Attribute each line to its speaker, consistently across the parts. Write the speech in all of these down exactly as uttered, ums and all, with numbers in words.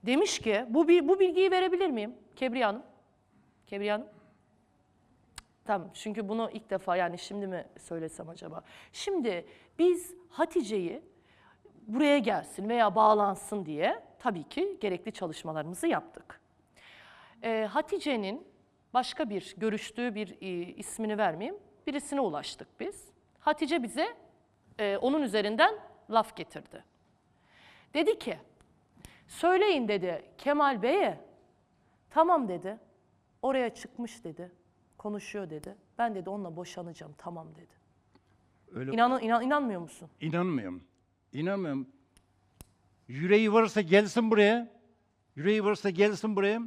Speaker 1: Demiş ki, bu, bu bilgiyi verebilir miyim Kebriye Hanım? Kebriye Hanım? Tamam, çünkü bunu ilk defa, yani şimdi mi söylesem acaba? Şimdi biz Hatice'yi buraya gelsin veya bağlansın diye tabii ki gerekli çalışmalarımızı yaptık. Ee, Hatice'nin başka bir görüştüğü bir e, ismini vermeyeyim, birisine ulaştık biz. Hatice bize e, onun üzerinden laf getirdi. Dedi ki, söyleyin dedi Kemal Bey'e, tamam dedi, oraya çıkmış dedi, konuşuyor dedi. Ben dedi onunla boşanacağım, tamam dedi.
Speaker 2: Öyle
Speaker 1: İnan, inan, inanmıyor musun?
Speaker 2: İnanmıyorum. İnanmıyorum. Yüreği varsa gelsin buraya. Yüreği varsa gelsin buraya.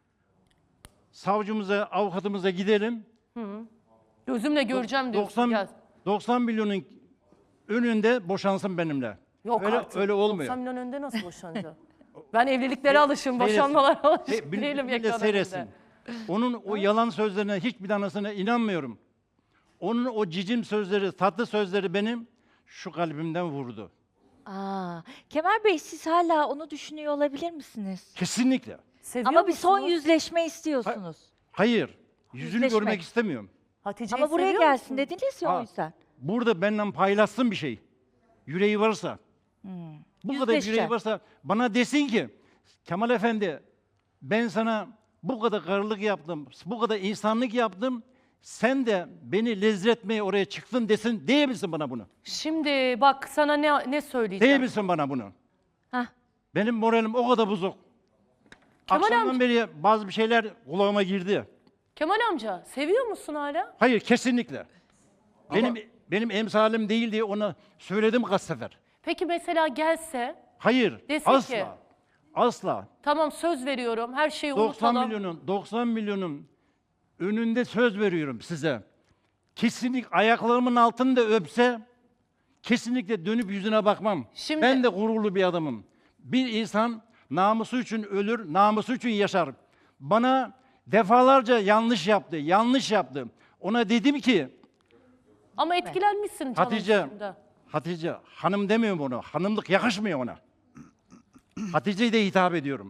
Speaker 2: Savcımıza, avukatımıza gidelim.
Speaker 1: Gözümle göreceğim diyorsun.
Speaker 2: doksan,
Speaker 1: Gel.
Speaker 2: doksan milyonun önünde boşansın benimle.
Speaker 1: Yok
Speaker 2: öyle,
Speaker 1: artık.
Speaker 2: öyle olmuyor.
Speaker 1: doksan milyon önünde nasıl boşanacağım? Ben evliliklere alışım, boşanmalara alışım
Speaker 2: Hey, bil-
Speaker 1: değilim
Speaker 2: millet
Speaker 1: ekran
Speaker 2: seyretsin.
Speaker 1: önünde.
Speaker 2: Onun o yalan sözlerine, hiçbir tanesine inanmıyorum. Onun o cicim sözleri, tatlı sözleri benim şu kalbimden vurdu.
Speaker 3: Aa, Kemal Bey, siz hala onu düşünüyor olabilir misiniz?
Speaker 2: Kesinlikle.
Speaker 1: Seviyor
Speaker 3: Ama bir son
Speaker 1: musunuz?
Speaker 3: yüzleşme istiyorsunuz.
Speaker 2: Hayır. Yüzünü
Speaker 3: Yüzleşmek.
Speaker 2: görmek istemiyorum.
Speaker 1: Hatice'yi
Speaker 3: Ama buraya
Speaker 1: seviyor
Speaker 3: gelsin
Speaker 1: musun?
Speaker 3: dediniz ya,
Speaker 2: Ha.
Speaker 3: o yüzden.
Speaker 2: Burada benden paylaşsın bir şey. Yüreği varsa. Bu kadar
Speaker 3: Yüzleşeceğim.
Speaker 2: yüreği varsa bana desin ki, Kemal Efendi, ben sana bu kadar karılık yaptım, bu kadar insanlık yaptım, sen de beni lezzetmeye oraya çıktın desin, diyebilsin bana bunu.
Speaker 1: Şimdi bak sana ne ne söyleyeceğim.
Speaker 2: Diyebilsin bana bunu.
Speaker 3: Hah.
Speaker 2: Benim moralim o kadar bozuk.
Speaker 1: Kemal
Speaker 2: Akşamdan
Speaker 1: amca-
Speaker 2: beri bazı bir şeyler kulağıma girdi.
Speaker 1: Kemal amca seviyor musun hala?
Speaker 2: Hayır, kesinlikle. Benim benim emsalim değil diye ona söyledim kaç sefer.
Speaker 1: Peki mesela gelse,
Speaker 2: Hayır,
Speaker 1: Desin
Speaker 2: asla.
Speaker 1: ki-
Speaker 2: Asla.
Speaker 1: tamam söz veriyorum, her şeyi
Speaker 2: doksan
Speaker 1: unutalım.
Speaker 2: milyonun doksan milyonun önünde söz veriyorum size. Kesinlikle ayaklarımın altında öpse kesinlikle dönüp yüzüne bakmam.
Speaker 1: Şimdi-
Speaker 2: Ben de gururlu bir adamım. Bir insan namusu için ölür, namusu için yaşar. Bana defalarca yanlış yaptı, yanlış yaptı. Ona dedim ki,
Speaker 1: Ama etkilenmişsin canım
Speaker 2: Hatice,
Speaker 1: şimdi.
Speaker 2: Hatice, hanım demiyorum ona. Hanımlık yakışmıyor ona. Hatice'ye de hitap ediyorum.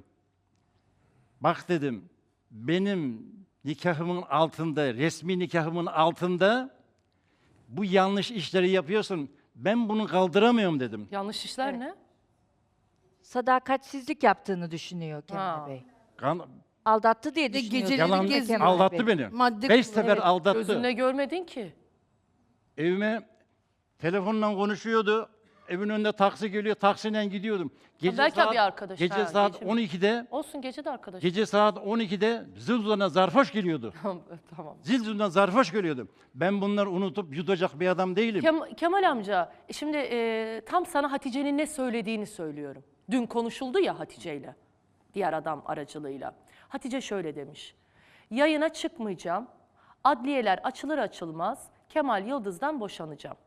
Speaker 2: Bak dedim, benim nikahımın altında, resmi nikahımın altında bu yanlış işleri yapıyorsun. Ben bunu kaldıramıyorum dedim.
Speaker 1: Yanlış işler ne?
Speaker 3: Sadakatsizlik yaptığını düşünüyor Kemal
Speaker 1: Ha.
Speaker 3: Bey.
Speaker 2: Kan,
Speaker 3: Aldattı diye
Speaker 4: De
Speaker 3: düşünüyor.
Speaker 4: geceleri
Speaker 2: yalan
Speaker 4: geziyor.
Speaker 3: Kemal
Speaker 2: aldattı
Speaker 3: Bey.
Speaker 2: beni.
Speaker 4: Madde
Speaker 2: Beş
Speaker 4: kullanıyor.
Speaker 2: sefer aldattı.
Speaker 1: Gözünle görmedin ki.
Speaker 2: Evime telefonla konuşuyordu. Evin önünde taksi geliyor, taksiyle gidiyordum. Gece
Speaker 1: belki
Speaker 2: saat,
Speaker 1: bir arkadaş,
Speaker 2: Gece
Speaker 1: ha,
Speaker 2: saat
Speaker 1: gece mi?
Speaker 2: on ikide,
Speaker 1: Olsun, gece de arkadaş.
Speaker 2: gece saat on ikide zil zarfoş geliyordu.
Speaker 1: Tamam.
Speaker 2: Zil zilden zarfoş geliyordu. Ben bunları unutup yutacak bir adam değilim.
Speaker 1: Kem- Kemal amca, şimdi e, tam sana Hatice'nin ne söylediğini söylüyorum. Dün konuşuldu ya Hatice'yle, diğer adam aracılığıyla. Hatice şöyle demiş, yayına çıkmayacağım, adliyeler açılır açılmaz Kemal Yıldız'dan boşanacağım.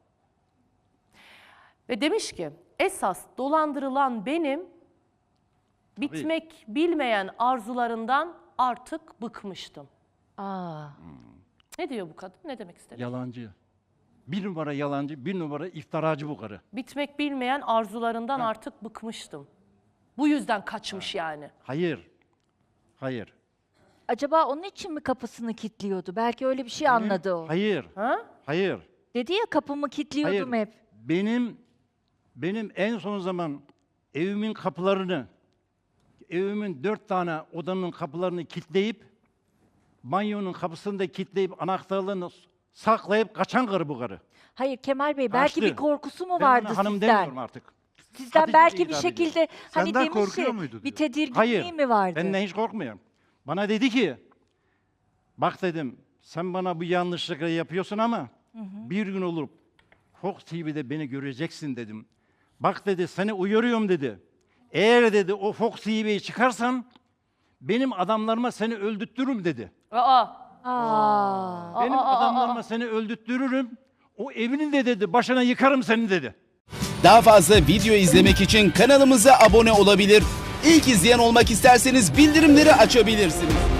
Speaker 1: Ve demiş ki, esas dolandırılan benim, bitmek bilmeyen arzularından artık bıkmıştım.
Speaker 3: Aa,
Speaker 1: Ne diyor bu kadın, ne demek istedi?
Speaker 2: Yalancı. Bir numara yalancı, bir numara iftiracı bu karı.
Speaker 1: Bitmek bilmeyen arzularından artık bıkmıştım. Bu yüzden kaçmış yani.
Speaker 2: Hayır. Hayır.
Speaker 3: acaba onun için mi kapısını kilitliyordu? Belki öyle bir şey anladı o.
Speaker 2: Hayır.
Speaker 1: Ha?
Speaker 2: Hayır.
Speaker 3: Dedi ya, kapımı kilitliyordum
Speaker 2: Hayır.
Speaker 3: hep.
Speaker 2: Benim benim en son zaman evimin kapılarını, evimin dört tane odanın kapılarını kilitleyip, banyonun kapısını da kilitleyip anahtarlarını saklayıp kaçan karı bu karı.
Speaker 3: Hayır Kemal Bey, belki
Speaker 2: Kaçtı.
Speaker 3: bir korkusu mu
Speaker 2: Ben
Speaker 3: vardı
Speaker 2: ona hanım
Speaker 3: sizden?
Speaker 2: demiyorum artık.
Speaker 3: Sizden
Speaker 2: Hatice'ye
Speaker 3: belki bir
Speaker 2: hitap
Speaker 3: şekilde hani
Speaker 4: Senden
Speaker 3: demiş
Speaker 4: korkuyor
Speaker 3: ya,
Speaker 4: muydu
Speaker 3: bir
Speaker 4: diyor.
Speaker 3: tedirginliği
Speaker 2: Hayır.
Speaker 3: mi vardı?
Speaker 2: Benden hiç korkmuyorum. Bana dedi ki, bak dedim, sen bana bu yanlışlıkları yapıyorsun ama bir gün olup Fox T V'de beni göreceksin dedim. Bak dedi, seni uyarıyorum dedi. Eğer dedi o Fox T V'ye çıkarsan benim adamlarıma seni öldürtürüm dedi.
Speaker 1: Aa,
Speaker 3: Aa,
Speaker 2: Benim
Speaker 1: aa, aa,
Speaker 2: adamlarıma seni öldürtürürüm. O evini de dedi, başına yıkarım seni dedi.
Speaker 5: Daha fazla video izlemek için kanalımıza abone olabilir. İlk izleyen olmak isterseniz bildirimleri açabilirsiniz.